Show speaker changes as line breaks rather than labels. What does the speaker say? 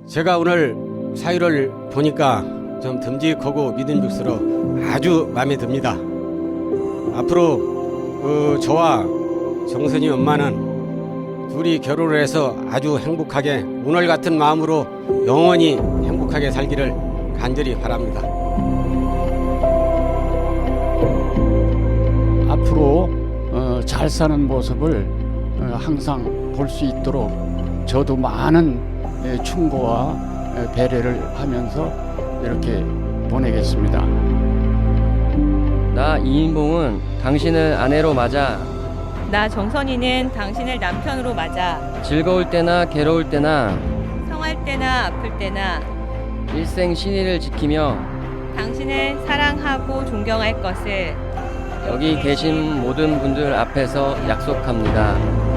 제가 오늘 사유를 보니까 좀 듬직하고 믿음직스러 아주 마음에 듭니다. 앞으로 저와 정선이 엄마는 둘이 결혼을 해서 아주 행복하게 오늘 같은 마음으로 영원히 행복하게 살기를 간절히 바랍니다.
앞으로 잘 사는 모습을 항상 볼 수 있도록 저도 많은 충고와 배려를 하면서 이렇게 보내겠습니다.
나 이인봉은 당신을 아내로 맞아
나 정선이는 당신을 남편으로 맞아
즐거울 때나 괴로울 때나
성할 때나 아플 때나
일생 신의를 지키며
당신을 사랑하고 존경할 것을
여기 계신 모든 분들 앞에서 약속합니다.